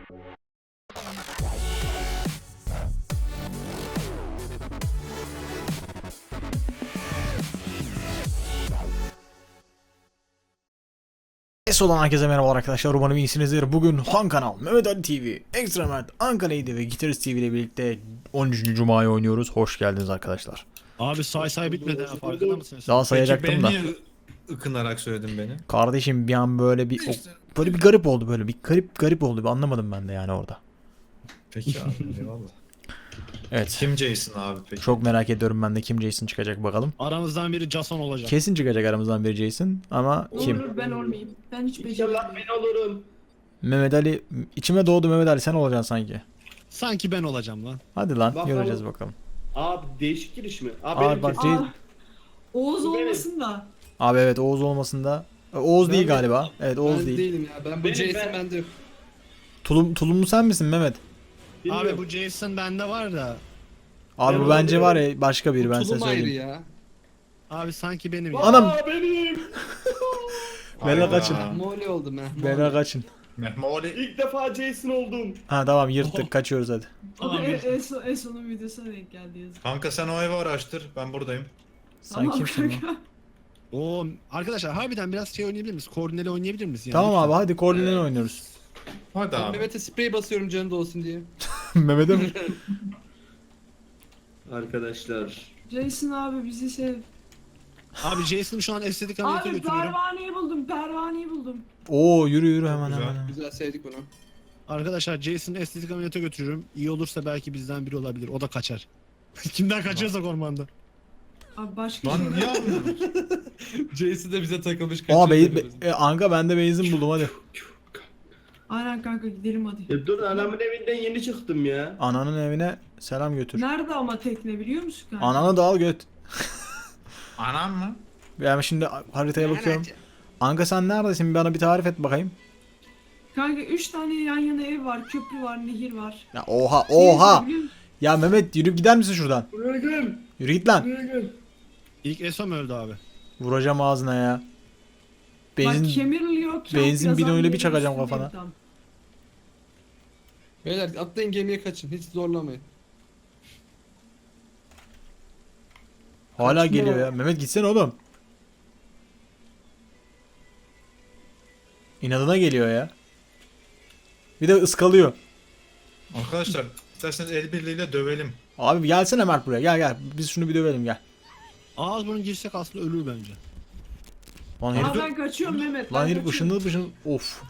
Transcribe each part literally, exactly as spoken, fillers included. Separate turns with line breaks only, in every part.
Es olan herkese merhaba arkadaşlar, umarım iyisinizdir. Bugün Han Kanal, Mehmet Ali T V, Ekstra Mert, Ankara İdi ve Gitarist T V ile birlikte on üçüncü Cuma'yı oynuyoruz. Hoş geldiniz arkadaşlar.
Abi say say bitmedi ha, farkında mısın?
Daha sayacaktım da.
Peki beni niye ıkınarak söyledin beni?
Kardeşim bir an böyle bir o- böyle bir garip oldu, böyle bir garip garip oldu. Bir anlamadım ben de yani orada.
Peki abi eyvallah.
Evet.
Kim Jason abi peki?
Çok merak ediyorum ben de kim Jason çıkacak bakalım.
Aramızdan biri Jason olacak.
Kesin çıkacak aramızdan biri Jason ama kim?
Olur, ben olmayayım. Ben hiç
İnşallah
beceremiyorum.
ben olurum.
Mehmet Ali içime doğdu, Mehmet Ali sen olacaksın sanki.
Sanki ben olacağım lan.
Hadi lan
Bakalım.
göreceğiz bakalım.
Abi değişik giriş mi? Abi,
Abi
benim
bak,
kesin-
Jason-
Aa, Oğuz
Bu benim.
olmasın da.
Abi evet, Oğuz olmasın da. Oğuz
Ben
değil
de-
galiba. Evet, Oğuz
Ben
değil.
değilim ya. Ben bu
Benim,
Jason
ben-
bende.
Tulum, tulumlu sen misin Mehmet?
bilmiyorum.
Abi bu Jason bende var da.
Abi
Ben
bu bence var
olabilirim.
ya başka biri, ben size
Tulum ayrı
söyleyeyim.
ya.
Abi sanki benim ya.
Anam!
Aa, benim.
Bela
Hayda.
kaçın.
Moli oldum ha.
Bela kaçın.
Mehmoli.
İlk defa Jason oldum.
Ha tamam, yırttık, kaçıyoruz hadi.
Tamam,
Abi
bir-
Eso, Eso'nun videosuna denk geldi yazık.
Kanka sen o evi araştır. Ben buradayım.
Sen
Tamam
kimsin lan?
kanka.
Oo, arkadaşlar harbiden biraz şey oynayabilir miyiz? Koordineli oynayabilir miyiz? Yani?
Tamam abi, hadi koordineli oynuyoruz.
Hadi
Ben
abi.
Mehmet'e sprey basıyorum canı da olsun diye.
Mehmet'e mi?
Arkadaşlar.
Jason abi bizi sev.
Abi Jason'ı şu an estetik ameliyata
Abi
götürüyorum.
pervaneyi buldum, pervaneyi buldum.
Oo yürü yürü hemen
Güzel.
hemen. hemen.
Güzel sevdik bunu.
Arkadaşlar Jason'ı estetik ameliyata götürüyorum. İyi olursa belki bizden biri olabilir. O da kaçar. Kimden kaçıyorsak ormanda.
Abi başka
Lan
şey
niye almıyorsun?
Jason da bize takılmış
Aa
kaçıyor.
be, be,
diyoruz.
e, Anka ben de benzin buldum hadi.
Aynen kanka gidelim hadi.
Ya dur, anamın evinden yeni çıktım ya.
Ananın evine selam götür.
Nerede ama tekne biliyor musun kanka?
Ananı da al göt.
Anam mı?
Ben şimdi haritaya bakıyorum. Anka sen neredesin? Bana bir tarif et bakayım.
Kanka üç tane yan yana ev var, köprü var, nehir var.
Ya oha
Neresi
oha.
biliyor musun?
Ya Mehmet yürüyüp gider misin şuradan?
Buraya gel.
Yürü git lan.
Buraya gel.
İlk Eso mu öldü abi?
Vuracağım ağzına ya.
Bak
Benzin
kemirliyor. kamp
benzin
yazan
bidonuyla bir
yerin
çakacağım
üstündeyim
kafana.
tam.
Beyler atlayın gemiye kaçın. Hiç zorlamayın.
hala
Kaçma.
geliyor ya. Mehmet gitsene oğlum. İnadına geliyor ya. Bir de ıskalıyor.
Arkadaşlar isterseniz el birliğiyle dövelim.
Abi gelsene Mert buraya, gel gel. Biz şunu bir dövelim, gel.
Ağız burun girsek aslında ölür bence.
Lan
Aa
herif,
ben kaçıyorum Mehmet.
lan
ben
herif
kaçıyorum.
ışınlı ışınlı. Of.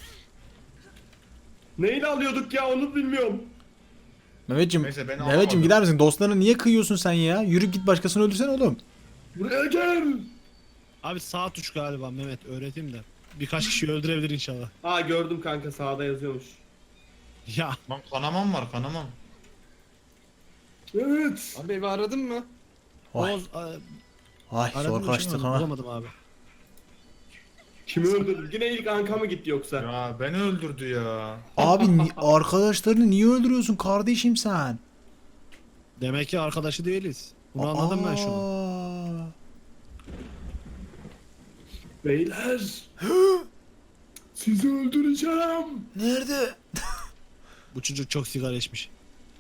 Neyle alıyorduk ya, onu bilmiyorum.
Mehmetciğim,
Neyse, beni
Mehmetciğim
alamadı.
gider misin? Dostlarına niye kıyıyorsun sen ya? Yürüp git başkasını öldürsene oğlum.
Buraya gel.
Abi sağ tuş galiba Mehmet, öğreteyim de. Birkaç kişi öldürebilir inşallah.
Aa, gördüm kanka, sağda yazıyormuş.
Ya
Lan kanamam var kanamam.
Evet.
Abi evi aradın mı?
Vay.
Oğuz a-
Ay
aradım
zor
da
kaçtık
bulamadım,
ha.
bulamadım abi.
Kimi öldürdün? Yine ilk Anka mı gitti yoksa?
Ya beni öldürdü ya.
Abi ni- arkadaşlarını niye öldürüyorsun kardeşim sen?
Demek ki arkadaşı değiliz. Bunu anladım ben şu an.
Aa.
Beyler. Sizi öldüreceğim.
Nerede?
Bu çocuk çok sigara içmiş.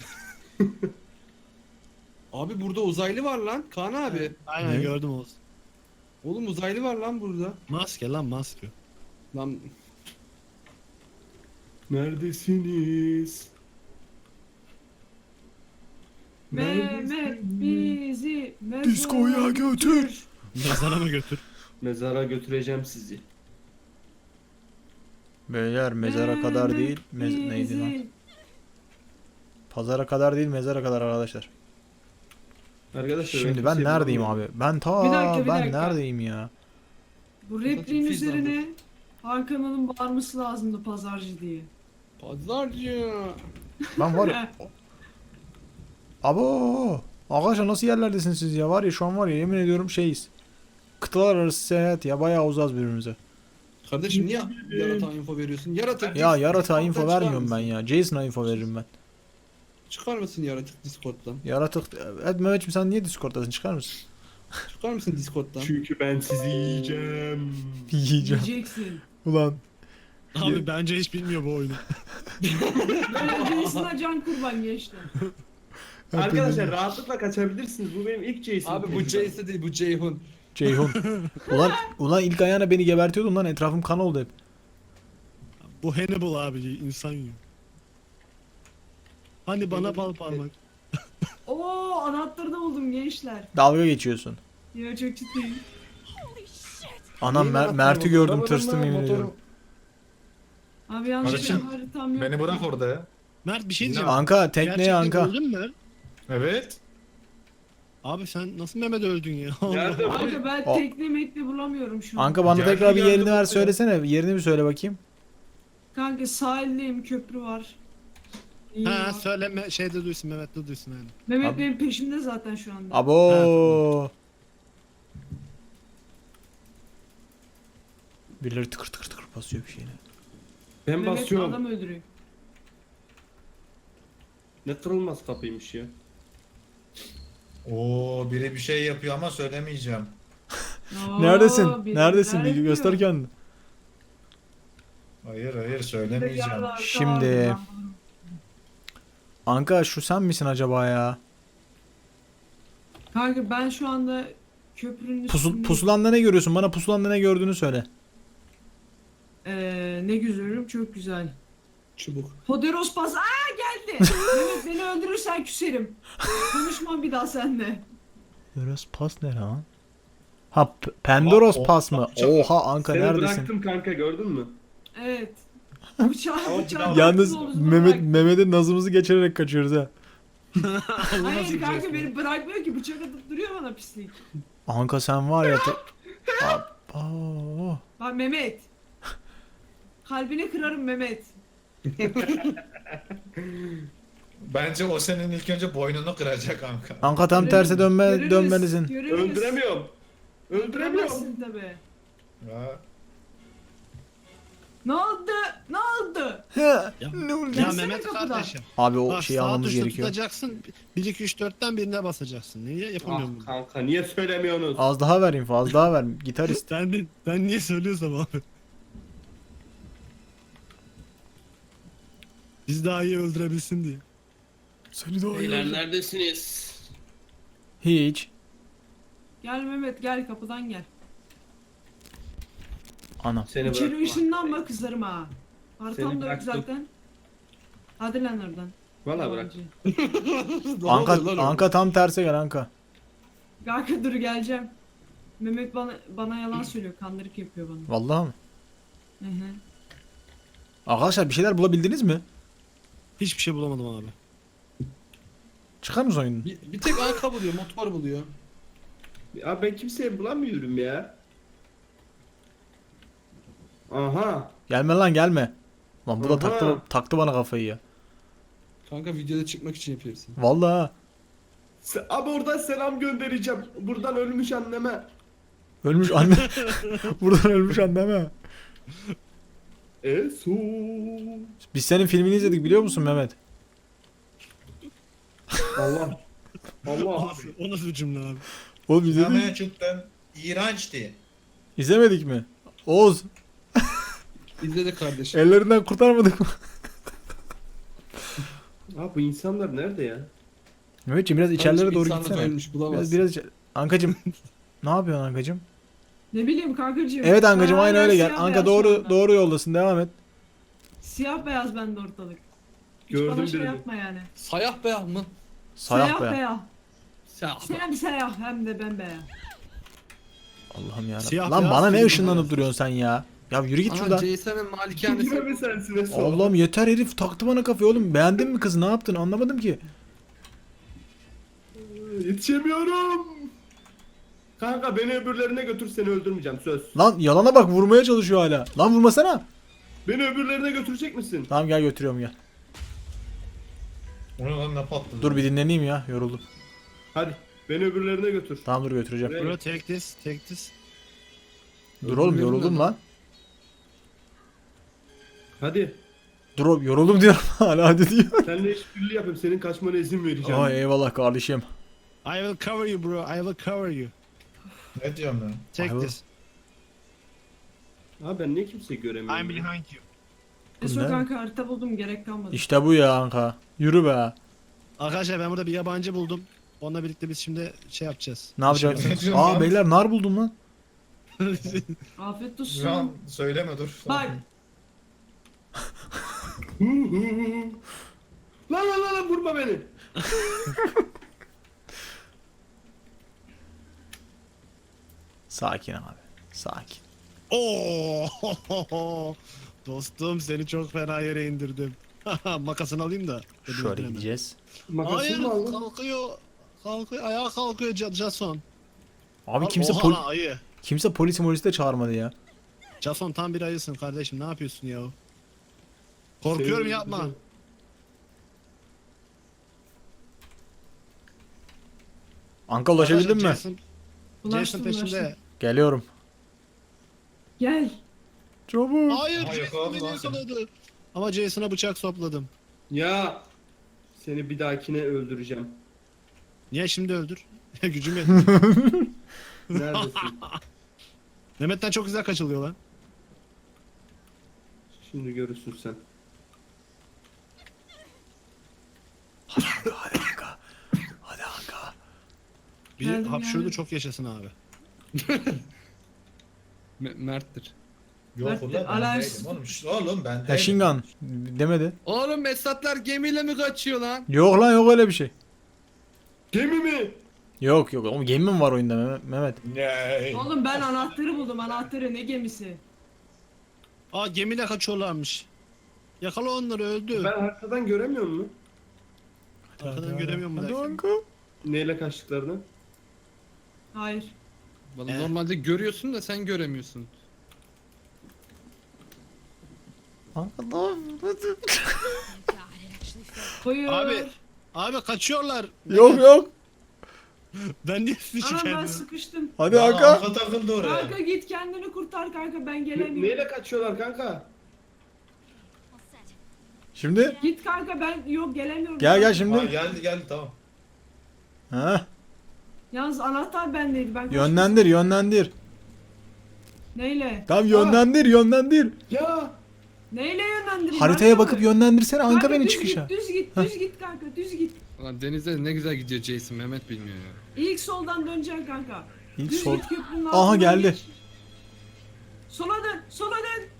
Abi burada uzaylı var lan. Kaan abi.
Aynen
Ne?
gördüm Oğuz.
Oğlum uzaylı var lan burada.
Maske lan maske.
Lan
Neredesiniz?
Mehmet bizi mezara
Diskoya götür.
Mezara mı götür?
Mezara götüreceğim sizi.
Beyler mezara kadar değil. Mez neydi lan?
bizi-
Pazara kadar değil, mezara kadar arkadaşlar.
Arkadaşlar
Şimdi
bir
ben
şey
neredeyim
bulamıyorum.
abi? Ben ta
Bir dakika, bir
ben
dakika.
neredeyim ya?
Bu repliğin
Fizan
üzerine Hakan'ın bağırması lazımdı pazarcı diye.
pazarcı.
Ben var ya. Abo! Arkadaşlar nasıl yerlerdesiniz siz ya? Var ya şu an var ya, yemin ediyorum şeyiz. Kıtalar arası seyahat ya, bayağı uzağız birbirimize.
Kardeşim niye yaratan info veriyorsun? Yaratık.
Ya
Dis-
yaratığa
Discord'dan
info
çıkar
vermiyorum ben
mısın?
ya. Jason'a info veririm ben.
Çıkar mısın yaratık Discord'dan?
Yaratık... Evet Mehmetciğim, sen niye Discord'dasın? Çıkar mısın?
Çıkar mısın Discord'dan?
Çünkü ben sizi yiyeceğim.
Yiyeceğim.
Diyeceksin.
Ulan.
Abi bence hiç bilmiyor bu oyunu.
Böyle Jason'a can kurban gençler.
Arkadaşlar rahatlıkla kaçabilirsiniz. Bu benim ilk Jason.
Abi bu Jason değil bu Ceyhun.
Ceyhun. Ulan, ulan ilk ayağına beni gebertiyordun lan, etrafım kan oldu hep.
Bu Hannibal abi insan yiyor. Hani bana bal parmak.
Oo anahtarı da buldum gençler.
Dalga geçiyorsun.
Ya çok ciddiyim.
Anam
Neyin
Mer-
anahtarı
Mert'i
bu?
gördüm,
Arabanın
tırstım
mı,
yemin
motorun?
ediyorum.
Abi yanlış
Kardeşim,
haritam yok.
Beni bırak orada ya.
Mert bir şey diyeceğim.
Anka, tekneye
Gerçekten
Anka.
öldün mü?
Evet.
Abi sen nasıl Mehmet öldün ya?
Nerede bu?
Kanka ben
O-
tekne mekne bulamıyorum şu an.
Anka bana
Geldi,
tekrar bir
geldi
yerini ver,
buraya.
söylesene. Yerini bir söyle bakayım.
Kanka sahildeyim, köprü var. İyi
Ha
var.
söyleme şeyde duysun Mehmet de duysun yani.
Mehmet
Abi-
benim peşimde zaten şu anda.
Abo. Birileri tıkır tıkır tıkır basıyor bir şeyine.
Ben
Mehmet
basıyorum.
adam öldürüyor.
Ne kırılmaz kapıymış ya.
Oo, biri bir şey yapıyor ama söylemeyeceğim.
Oo,
Neredesin?
biri
Neredesin?
neler
Bir göster
yapıyor?
kendini.
Hayır hayır
Bir
söylemeyeceğim.
de yarlar,
Şimdi-
tamam, ben bulurum.
Anka şu sen misin acaba ya?
Kanka ben şu anda köprünün
Pusul,
üstündeyim.
pusulanda ne görüyorsun? Bana pusulanda ne gördüğünü söyle.
Ee, ne güzelim, çok güzel.
Çubuk.
Poderos pas. Aa geldi. Mehmet beni öldürürsen küserim. Konuşmam bir daha seninle.
Poderos pas ne lan? Ha, P- Pendoros
Aa, o-
pas mı?
çok-
Oha Anka,
Seni
neredesin?
bıraktım kanka gördün mü?
Evet. Bıçağı
Ama
bıçağı.
Yalnız
bıraktın, omzuma
Mehmet
bıraktın.
Mehmet'in nazımızı geçirerek kaçıyoruz ha.
Hayır kanka beni bırakmıyor ki, bıçak atıp duruyor bana pislik.
Anka sen var ya. te- Abo.
Bak Mehmet. Kalbini kırarım Mehmet.
Bence o senin ilk önce boynunu kıracak kanka.
Anka tam
Görelim,
terse dönme
görürüz,
dönmelisin.
görürüz.
Öldüremiyorum. Öldüremiyorum.
Öldüremezsin tabii.
Ya.
Ne oldu? Ne oldu?
Ya,
Ne
ya
oldu?
Mehmet
kapıdan.
kardeşim.
Abi o
Bak
şeyi
sağ
almamız
tuşla
gerekiyor.
tutacaksın. bir iki üç dörtten birine basacaksın. Niye yapamıyorum
Ah
bunu?
kanka niye söylemiyorsunuz?
Az daha ver info, az daha ver. Gitarist.
Ben, de- ben niye söylüyorsam abi. Biz daha iyi öldürebilsin diye.
Seni de
Beyler neredesiniz?
Hiç.
Gel Mehmet gel, kapıdan gel.
Ana.
Seni
İçeri
bırakma.
ışınlanma, kızarım ha.
Seni
Haritam da yok
bıraktım.
zaten. Hadi lan oradan.
Valla bırak.
Yalancı.
Anka, Anka tam terse gel Anka.
Kanka dur geleceğim. Mehmet bana bana yalan söylüyor, kandırık yapıyor bana.
Vallahi mı?
Hı hı.
Arkadaşlar bir şeyler bulabildiniz mi?
Hiçbir şey bulamadım abi.
Çıkar mısın oyunun?
Bir, bir tek arka buluyor, motor buluyor.
Abi ben kimseyi bulamıyorum ya. Aha.
Gelme lan gelme. Lan bu da
Aha.
taktı, taktı bana kafayı ya.
Kanka videoda çıkmak için yapıyorsun.
Vallahi ha.
Se- Abi oradan selam göndereceğim. Buradan ölmüş anneme.
Ölmüş anne. Buradan ölmüş anneme.
E su.
Biz senin filmini izledik biliyor musun Mehmet?
Allah. Allah.
O nasıl bir cümle abi?
Oğlum izledik.
Sinemaya cidden iğrençti.
İzlemedik mi? Oğuz
İzle kardeşim.
ellerinden kurtarmadık mı?
Abi bu insanlar nerede ya?
Mehmetciğim biraz içerilere doğru
İnsanlık
gitsene.
ölmüş, bulamazsın.
Biraz biraz içe- Ankacım. Ne yapıyorsun Ankacım?
Ne bileyim kankacığım.
Evet Ankacım
Ben
aynen
hala
öyle gel.
siyah
Anka
beyaz şu
doğru
anda.
doğru yoldasın, devam et.
Siyah beyaz bende ortalık. Hiç
Gördüm
bana şey
birini.
yapma yani.
Sayah beyaz mı?
Sayah be.
beyaz.
Sayah
Sen siyah hem de bembeyaz.
Allah'ım ya.
Siyah
Lan
beyaz
bana ne
film
ışınlanıp
ya.
duruyorsun sen ya? Ya yürü git
Aha
şuradan.
Jason'ın malikanesi.
Kime mi sensin Esu?
Allah'ım yeter, herif taktı bana kafayı oğlum. Beğendin mi kızı, ne yaptın anlamadım ki.
Yetişemiyorum. Kanka beni öbürlerine götür, seni öldürmeyeceğim söz.
Lan yalana bak, vurmaya çalışıyor hala. Lan vurmasana.
Beni öbürlerine götürecek misin?
Tamam gel götürüyorum gel.
Onu lan ne patladı?
Dur bir dinleneyim ya, yoruldum.
Hadi beni öbürlerine götür.
Tamam dur götüreceğim.
Buraya-
Bro take this, take this.
Dur oğlum
Öldürüyorum
yoruldum
ben.
lan.
Hadi.
Dur oğlum yoruldum diyorum hala hadi diyor.
Seninle işbirliği yapayım, senin kaçmana izin vereceğim.
Ay eyvallah kardeşim.
I will cover you bro, I will cover you.
Ne diyorum ben?
Take
I will-
this.
Abi ben niye kimseyi göremiyorum?
I'm behind you.
Eso
ne?
kanka harita buldum gerek kalmadı.
İşte bu ya kanka. Yürü be.
Arkadaşlar ben burada bir yabancı buldum. Onunla birlikte biz şimdi şey yapacağız.
Ne yapacağız?
Ne diyorsun
Aa
lan?
beyler nar buldum lan.
Afiyet olsun.
Şu an söyleme dur.
Bak
Lan lan lan lan vurma beni.
Sakin abi. Sakin.
Oo! Dostum seni çok fena yere indirdim. Makasını alayım da. Beni
Şöyle
öldüreme.
gideceğiz.
Hayır
Makasını mı aldın?
kalkıyor. Kalkıyor ayağa kalkıyor Ja- Jason.
Abi kimse
Oha
pol
lan ayı.
kimse polisi molisi de çağırmadı ya.
Jason tam bir ayısın kardeşim ne yapıyorsun ya? Korkuyorum
Seni
yapma.
öldüreceğim.
Anka ulaşabildin mi?
Jason, Jason
ulaştım
peşinde.
ulaştım.
Geliyorum.
Gel.
Çabuk.
Hayır
Aha,
Jason
yakaladı
beni
lan seni.
yakaladı. Ama Jason'a bıçak sopladım.
Ya seni bir dahakine öldüreceğim.
Niye şimdi öldür? Gücüm yetmiyor.
Neredesin?
Mehmet'ten çok güzel kaçılıyor lan.
Şimdi görürsün sen.
Hadi Anka. Hadi Anka.
Bir
Geldim,
hapşurdu
geldim.
çok yaşasın abi.
M- Mert'tir.
Yok
Mert,
ulan ben
alarms.
değilim oğlum. Şşt, Oğlum ben değilim.
Eşingan demedi.
Oğlum Esatlar gemiyle mi kaçıyor lan?
Yok lan yok öyle bir şey.
Gemi mi?
Yok yok. Oğlum gemi mi var oyunda Mehmet- Mehmet?
Ne?
Oğlum ben anahtarı buldum anahtarı ne gemisi?
Aa gemiyle kaçıyorlarmış. Yakala onları öldü.
Ben haritadan göremiyor musun?
Arkadan göremiyorum bu
Hadi
dakika.
Anka.
Neyle kaçtıklarını?
Hayır.
Vallahi
Ee?
normalde görüyorsun da sen göremiyorsun.
Anka ne yapıyorsun?
Buyur.
Abi. Abi kaçıyorlar.
Yok yok.
Ben niye sizi
Anam ben
şikayet
sıkıştım.
Hadi
Lan
Anka.
Anka takıldı oraya.
Kanka git kendini kurtar kanka ben
Ne-
gelemiyorum.
neyle kaçıyorlar kanka?
Şimdi
Git kanka ben yok gelemiyorum.
gel gel
Ha,
şimdi.
geldi geldi tamam.
Ha,
Yalnız anahtar bendeydi ben kaçtım.
yönlendir yönlendir.
Neyle?
Tamam yönlendir yönlendir.
Ya
Neyle yönlendireyim?
Haritaya
Harita
bakıp
mı?
yönlendirsene Anka
Kanka
beni
düz
çıkışa.
Git, düz git düz git kanka düz git.
Lan denize ne güzel gidiyor Jason. Mehmet bilmiyor ya.
İlk soldan döneceksin kanka.
İlk
Düz
sol.
git köprünün
Aha,
altından
geldi.
geç. Sola dön sola dön.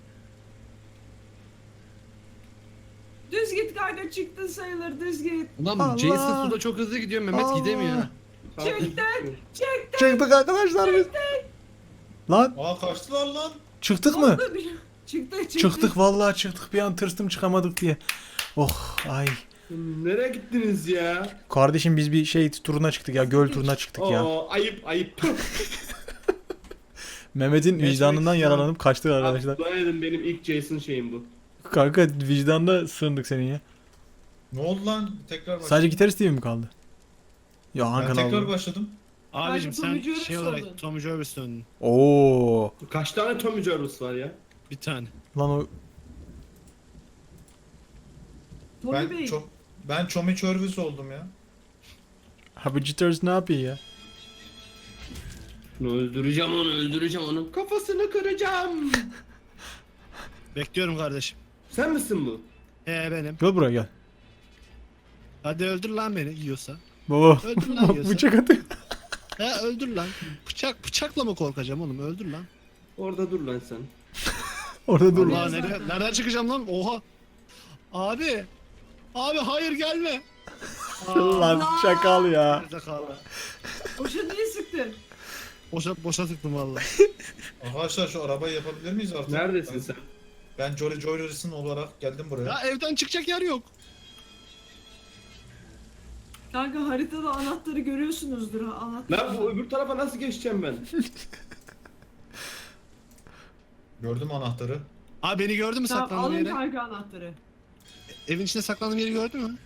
Düz git kanka çıktın sayılır düz git.
Ulan
Allah!
Jason suda çok hızlı gidiyor. Mehmet
Allah!
gidemiyor.
Çıktın çıktın.
Çıktık arkadaşlar biz. Lan
Aa kaçtılar lan.
çıktık mı?
Oldu bir- Çıktık çıktık.
Çıktık vallahi çıktık. Bir an tırstım çıkamadık diye. Oh ay.
nereye gittiniz ya?
Kardeşim biz bir şey turuna çıktık ya. Göl turuna çıktık ya.
Oo ayıp ayıp.
Mehmet'in
Geçmek
vicdanından
istiyorum.
yaralanıp kaçtık arkadaşlar.
Dua edin benim ilk Jason şeyim bu.
Kanka vicdanda sığındık senin ya.
Ne oldu lan? Tekrar başladım.
Sadece gitarist T V mi kaldı? Ya
Ben
Hakan
tekrar
abi.
başladım.
Abicim
Tommy
sen
Jarvis
şey olarak
oldun.
Tommy Jarvis döndün.
Oo.
Kaç tane Tommy Jarvis var ya?
Bir tane.
Lan o
Tommy
Ben
Bey.
çok ben Çomi Çörvüs oldum ya.
ha bu gitarist ne yapıyor ya?
Onu öldüreceğim onu öldüreceğim onun kafasını kıracağım.
Bekliyorum kardeşim.
Sen misin bu?
He benim.
Gel buraya gel.
Hadi öldür lan beni yiyorsa.
Baba
Öldür lan yiyorsa.
bıçak atıyor.
He öldür lan. Bıçak bıçakla mı korkacağım oğlum? Öldür lan.
Orada dur lan sen.
Orada dur.
Allah nereye, nereden çıkacağım lan? Oha. Abi. Abi hayır gelme.
Lan şakal ya.
Nerede kaldı?
Boşa niye sıktın?
Boşa, boşa tıktım valla.
Arkadaşlar şu arabayı yapabilir miyiz artık?
Neredesin
ben,
sen?
Ben Jolly Joyer'sın olarak geldim buraya.
Ya evden çıkacak yer yok.
Kanka haritada anahtarı görüyorsunuzdur ha anahtar.
Lan bu öbür tarafa nasıl geçeceğim ben?
Gördüm anahtarı.
Abi beni gördün mü
Tamam
saklandığım
alın
yeri?
kanka anahtarı.
Evin içinde saklandığım yeri gördün mü?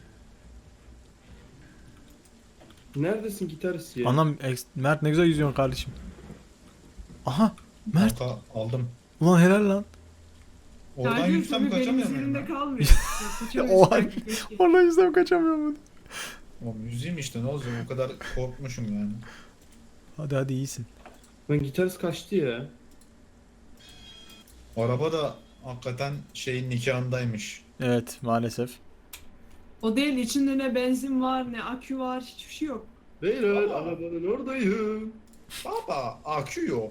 Neredesin gitarist ya?
Anam ex- Mert ne güzel yüzüyorsun kardeşim. Aha Mert
Kanka aldım.
ulan helal lan.
Oradan
Kanka
yüzsem
Tommy benim
kaçamıyor muyum
üzerimde
ben?
kalmıyor. Kaçamıyorsun
Oha.
kanka, keşke.
Oradan yüzden kaçamıyorum.
Oğlum yüzeyim işte ne olacak o kadar korkmuşum yani.
Hadi hadi iyisin.
Lan gitarist kaçtı ya.
Araba da hakikaten şeyin nikahındaymış.
Evet maalesef.
O değil, içinde ne benzin var ne akü var, hiçbir şey yok.
Beyler
Aa.
arabanın oradayım.
Baba akü yok.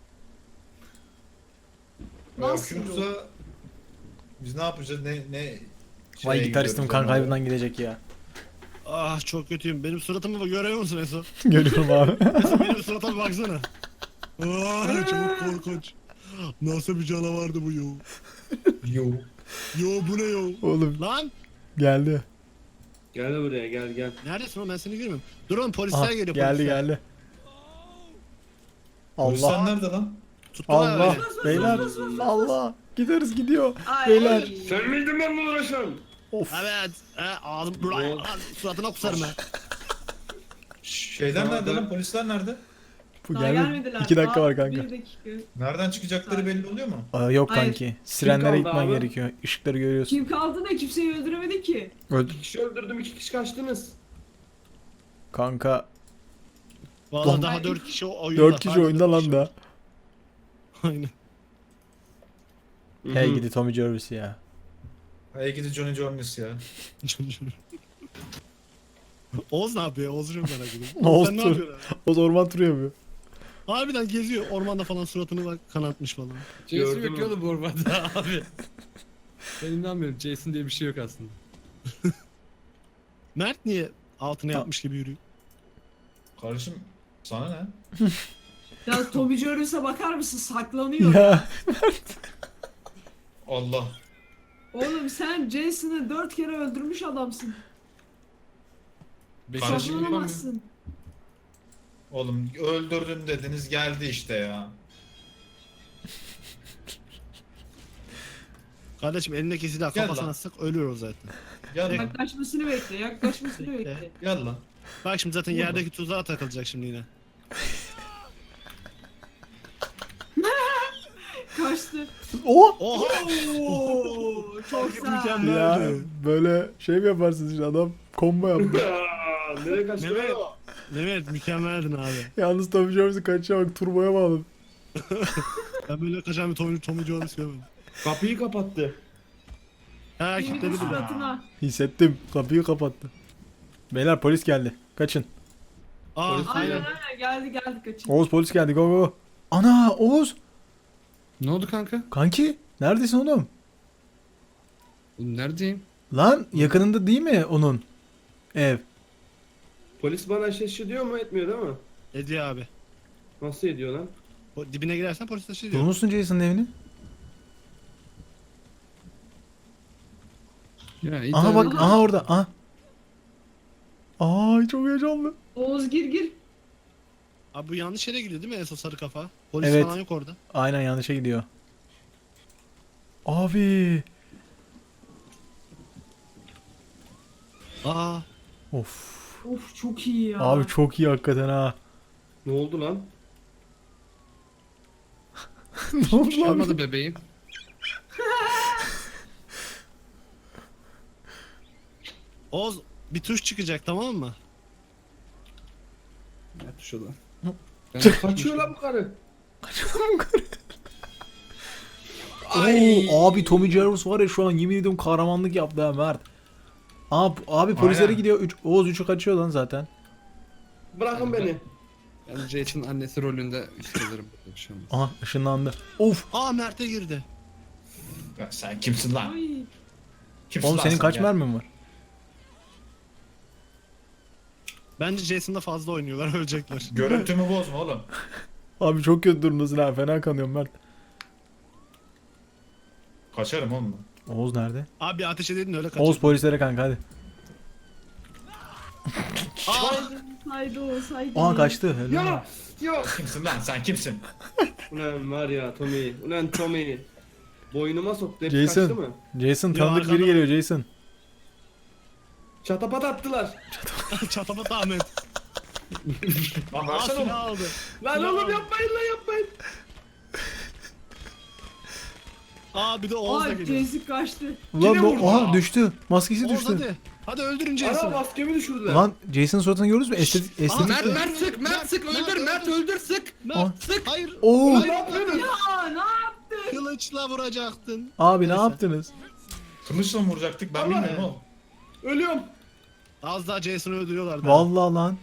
Ve
Nasıl
akü yoksa biz ne yapacağız? Ne ne
Vay
şeye
gitaristim
gidiyoruz
kan
yani?
kaybından gidecek ya.
Ah çok kötüyüm. Benim suratımı görüyor musun Eso?
Görüyorum abi.
Eso benim suratıma baksana. Ah çok korkunç. Nasıl bir canavardı bu yo?
Yo.
Yo bu ne yo?
Oğlum
Lan
geldi.
Gel buraya gel gel. Neredesin oğlum ben seni görmüyorum. Dur oğlum polisler
Aha,
geliyor
geldi
polisler.
geldi.
Polisler
Allah.
nerede lan?
Tuttular
Allah.
beni.
Beyler. Allah. Gideriz gidiyor.
Ay.
Beyler.
Sen miydin benimle uğraşan?
Of.
Evet. He, ağzım buraya. Suratına kusarım ha.
Şeyler nerede lan? Polisler nerede?
Bu
Daha
geldi.
gelmediler.
İki dakika
Daha
var kanka.
Bir dakika.
Nereden çıkacakları belli oluyor mu?
Aa, yok
Hayır.
kanki. Sirenlere
kaldı
gitmen
abi?
gerekiyor. Işıkları görüyorsun.
Kim kaldı da kimseyi öldüremedi ki.
Öldü.
İki kişi öldürdüm, iki kişi kaçtınız.
Kanka.
Valla daha
Ay.
dört kişi o oyunda.
Dört kişi
Harbiden
oyunda
dört
lan
kişi.
da.
Aynen.
Hey gidi Tommy Jarvis ya.
Hey gidi Johnny Jones ya.
Oğuz ne yapıyor? Oğuz'u çok merak ediyorum.
Oğuz
Sen ne
tur-
yapıyorsun?
O orman turu yapıyor.
Harbiden geziyor. Ormanda falan suratını bak kanatmış falan.
Jason
Gördün
yok
mü?
ya oğlum bu ormanda abi. Ben inanmıyorum. Jason diye bir şey yok aslında.
Mert niye altına
Ta-
yapmış gibi yürüyor?
Kardeşim sana ne?
Ya Tommy Jarvis'e bakar mısın? Saklanıyor.
Ya.
Allah.
Oğlum sen Jason'ı dört kere öldürmüş adamsın.
Beşinci
Kardeşim,
yapamıyorum.
Saklanamazsın.
Oğlum öldürdün dediniz geldi işte ya.
Kardeşim elindeki silah
Gel
kafasına
lan.
sık ölür o zaten.
Gel lan.
Yaklaşmasını bekle. Yaklaşmasını
Bekle.
bekle.
Gel lan.
Bak şimdi zaten
Vurma.
yerdeki tuzağa takılacak şimdi yine.
Kaçtı.
O.
Oha!
Oo, çok güzel.
Mükemmel.
Ya
Nerede?
böyle şey mi yaparsınız işte adam combo yaptı.
Aa, nereye kaçtın?
Mehmet. Mehmet mükemmeldin abi.
Yalnız Tommy Jarvis'in kaçışa bak turboya bağladı.
Ben böyle kaçan bir Tommy, Tommy Jones görmedim.
Kapıyı kapattı.
Ha
Yemin
kilitledi bile.
suratına.
Hissettim. Kapıyı kapattı. Beyler polis geldi. Kaçın.
Aa
Polis
Aynen
aynen.
aynen geldi geldi kaçın.
Oğuz polis geldi. Go go. Ana Oğuz.
Ne oldu kanka?
Kanki. Neredesin oğlum?
Oğlum neredeyim?
Lan yakınında değil mi onun ev?
Polis bana şaşırıyor mu etmiyor değil mi?
Ediyor abi.
Nasıl ediyor lan?
O dibine girersen polis taşı diyor.
Bulmuşsun Jason'ın evini.
Ya iyi
Aha
de-
bak aha orada. Aha. Ay çok heyecanlı.
Oğuz gir gir.
Abi bu yanlış yere gidiyor değil mi Eso sarı kafa? Polis
Evet.
falan yok orada.
Aynen yanlışa gidiyor. Abi.
Aa
Of.
Of çok iyi ya.
Abi çok iyi hakikaten ha.
Ne oldu lan?
Ne oldu
Bir şey
lan?
olmadı bebeğim.
Oğuz bir tuş çıkacak tamam mı?
Ne tuş o lan?
Kaçıyor lan bu karı.
Oo, abi Tommy Jarvis var ya şu an yemin ediyorum kahramanlık yaptı ha Mert. Abi, abi polislere
Aynen.
gidiyor. Üç, Oğuz üçü kaçıyor lan zaten.
Bırakın beni.
Yani Jason'ın annesi rolünde hissederim. Bir şey olmaz.
Aha ışınlandı. Of.
Aa Mert'e girdi.
Ya sen kimsin lan?
Ay.
Kimsin
Oğlum
lan
senin
sen
kaç
ya?
mermin var?
Bence Jason'da fazla oynuyorlar ölecekler.
Görüntümü bozma oğlum.
Abi çok kötü durumdasın ha. Fena kanıyorum Mert.
Kaçarım oğlum. ben.
Oğuz nerede?
Abi ateş edin öyle kaçın.
Oğuz polislere kanka hadi.
Aa!
Saydı o saydı.
Aa kaçtı. Helal.
Ya! Ya!
Kimsin lan sen kimsin?
Ulan var ya Tommy. Ulan Tommy. Boynuma soktu. Hep
Jason.
kaçtı mı?
Jason
Ya
tanıdık biri
arkadan-
geliyor Jason.
Çatapat attılar.
Çatapat Ahmet.
Lan
Aa
versene oğlum.
silah aldı.
Lan
Silah
oğlum
aldı.
yapmayın lan yapmayın.
Aa bir de Oğuz da
Aa
geliyor.
Jason kaçtı.
Ulan
Yine
bu
vurdu.
aha düştü. Maskesi
Oğuz
düştü.
hadi. Hadi öldürün
Ana
Jason'ı.
maskemi düşürdüler.
Lan Jason'ın suratını gördünüz mü? Estetik
Aa,
estetik.
Mert
öldür,
Mert sık
Mert,
Mert sık
Mert,
öldür Mert
öldür.
öldür sık.
Aa.
Mert sık. Hayır.
Oo.
Ne yapıyorsun?
Ya ne yaptın?
Kılıçla vuracaktın.
Abi ne
Neyse.
yaptınız?
Kılıçla mı vuracaktık ben
Allah.
bilmiyorum oğlum.
Ölüyorum.
Az daha Jason'ı öldürüyorlardı.
Vallahi lan.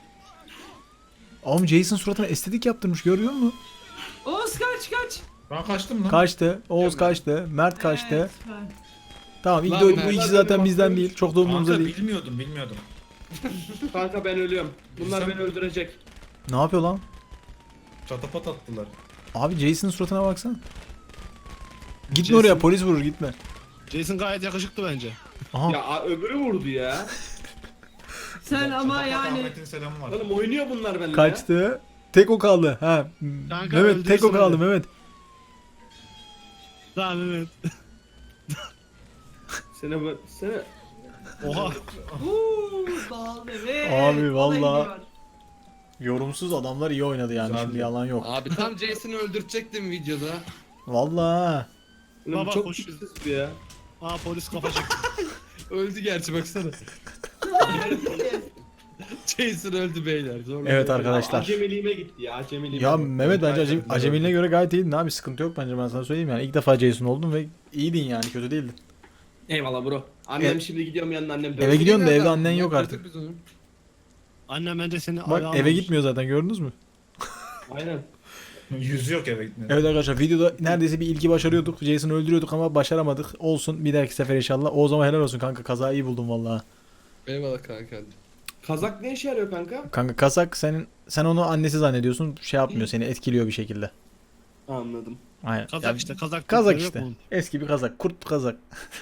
Oğlum Jason suratına estetik yaptırmış görüyor musun?
Oğuz kaç kaç.
Ben kaçtım lan.
Kaçtı. Oğuz kaçtı. Mert kaçtı.
Evet, ben-
Tamam ilk
Lan
de bu
Mert.
ikisi zaten bizden değil. Çok da umurumuzda
Kanka
değil.
bilmiyordum bilmiyordum.
Kanka ben ölüyorum. Bunlar
Sen-
beni öldürecek.
Ne yapıyor lan?
Çatapat attılar.
Abi Jason'ın suratına baksana. Gitme
Jason-
oraya polis vurur gitme.
Jason gayet yakışıklı bence.
Aha.
Ya a- öbürü vurdu ya.
Sen ama
Çatapat
yani
Ahmet'in selamı var.
Oğlum oynuyor bunlar benimle ya.
Kaçtı. Tek o kaldı. Ha.
Kanka,
Mehmet tek o
öldürsün
kaldı
hadi.
Mehmet.
Tamam evet.
Sene bu sene.
Oha.
Uuu dağıldı evet.
Abi, vallahi.
Olay gidiyor.
Yorumsuz adamlar iyi oynadı yani
Güzeldi.
şimdi yalan yok.
Abi tam Jason'ı öldürecektim videoda.
Vallahi.
Oğlum
Baba
çok
koş.
tipsiz bu ya.
Aa polis kafa çekti.
Öldü gerçi baksana. Jason öldü beyler. Zorla
Evet
öldü.
arkadaşlar.
Acemiliğime gitti ya acemiliğime.
Ya
gitti.
Mehmet bence acem,
Gerçekten
acemiliğine göre gayet iyiydin abi sıkıntı yok bence ben sana söyleyeyim yani ilk defa Jason oldun ve iyiydin yani kötü değildin.
Eyvallah bro. Annem
Evet.
şimdi gidiyorum yanına annem dövüyor.
Eve gidiyorsun da evde
Nereden?
annen yok
Yaptık
artık.
biz onu.
Annem bence seni
Bak
ayağına
eve
almış.
gitmiyor zaten gördünüz mü?
Aynen.
Yüzü yok eve gitmedi.
Evet arkadaşlar videoda neredeyse bir ilgi başarıyorduk. Jason'ı öldürüyorduk ama başaramadık. Olsun bir dahaki sefer inşallah. O zaman helal olsun kanka kazayı iyi buldum vallahi.
Eyvallah kanka.
Kazak ne işe yarıyor kanka?
Kanka kazak senin sen onu annesi zannediyorsun. Şey yapmıyor seni etkiliyor bir şekilde.
Anladım.
Aynen.
Kazak
Ya,
işte kazak.
Kazak
yok
işte.
mu?
Eski bir kazak. Kurt kazak.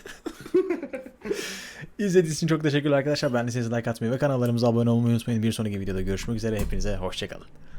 İzlediğiniz için çok teşekkürler arkadaşlar. Ben de size like atmayı ve kanallarımıza abone olmayı unutmayın. Bir sonraki videoda görüşmek üzere. Hepinize hoşçakalın.